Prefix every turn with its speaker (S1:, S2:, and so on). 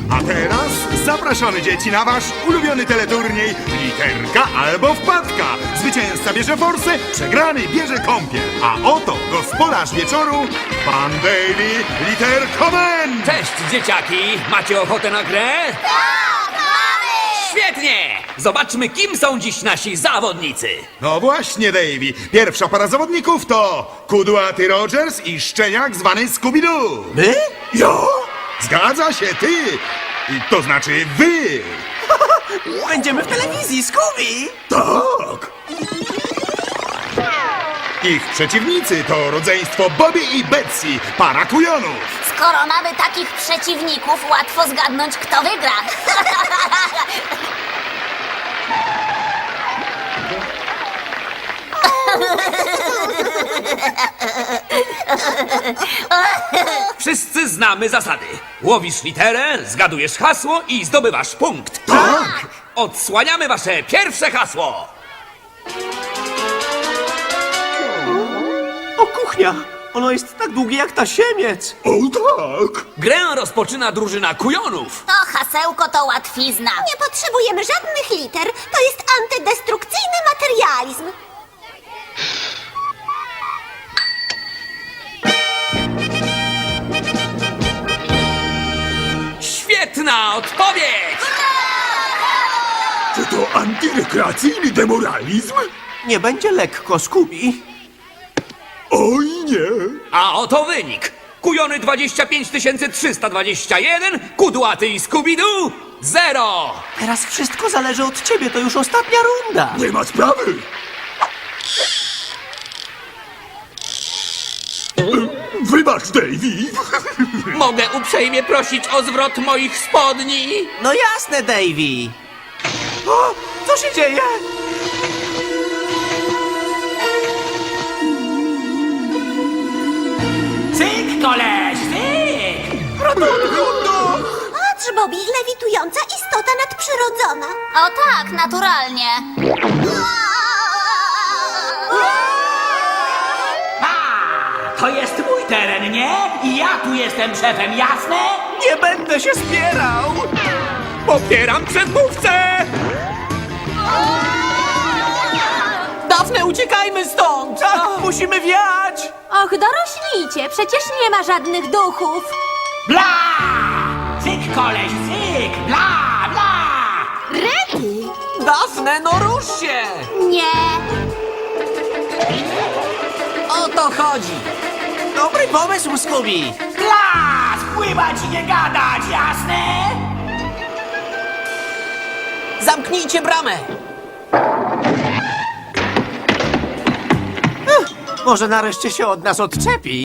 S1: A teraz zapraszamy dzieci na wasz ulubiony teleturniej Literka albo Wpadka. Zwycięzca bierze forsę, przegrany bierze kąpiel. A oto gospodarz wieczoru, pan Davey Literkomen!
S2: Cześć, dzieciaki! Macie ochotę na grę?
S3: Tak, mamy!
S2: Świetnie! Zobaczmy, kim są dziś nasi zawodnicy.
S1: No właśnie, Davey. Pierwsza para zawodników to kudłaty Rogers i szczeniak zwany Scooby-Doo.
S4: My?
S1: Jo? Zgadza się, ty! To znaczy wy!
S4: Będziemy w telewizji, Scooby!
S1: Tak! Ich przeciwnicy to rodzeństwo Bobby i Betsy, para kujonów.
S3: Skoro mamy takich przeciwników, łatwo zgadnąć, kto wygra.
S2: Wszyscy znamy zasady. Łowisz literę, zgadujesz hasło i zdobywasz punkt.
S1: Tak!
S2: Odsłaniamy wasze pierwsze hasło.
S4: O, kuchnia! Ono jest tak długie jak tasiemiec!
S1: O tak!
S2: Grę rozpoczyna drużyna kujonów.
S3: To hasełko to łatwizna.
S5: Nie potrzebujemy żadnych liter. To jest antydestrukcyjny materializm.
S2: Świetna odpowiedź!
S1: Czy to antyrekreacyjny demoralizm?
S4: Nie będzie lekko, Scooby.
S1: Oj nie!
S2: A oto wynik. Kujony 25 321, kudłaty i Scooby-Doo 0.
S4: Teraz wszystko zależy od ciebie, to już ostatnia runda.
S1: Nie ma sprawy! Wybacz, Davey!
S2: Mogę uprzejmie prosić o zwrot moich spodni?
S4: No jasne, Davey. O, co się dzieje?
S2: Cyk, koleś, cyk!
S5: Patrz, Bobby, lewitująca istota nadprzyrodzona.
S3: O tak, naturalnie.
S6: To jest mój teren, nie? I ja tu jestem szefem, jasne?
S4: Nie będę się spierał!
S2: Popieram przedmówcę!
S4: Dafne, uciekajmy stąd! Musimy wiać!
S5: Och, dorośnijcie, przecież nie ma żadnych duchów.
S6: Bla! Cyk, koleś, cyk! Bla, bla!
S5: Rety?
S4: Dafne, no rusz się!
S5: Nie.
S4: O to chodzi! Dobry pomysł, Scooby!
S6: Bla! Spływać i nie gadać, jasne?
S4: Zamknijcie bramę! Może nareszcie się od nas odczepi?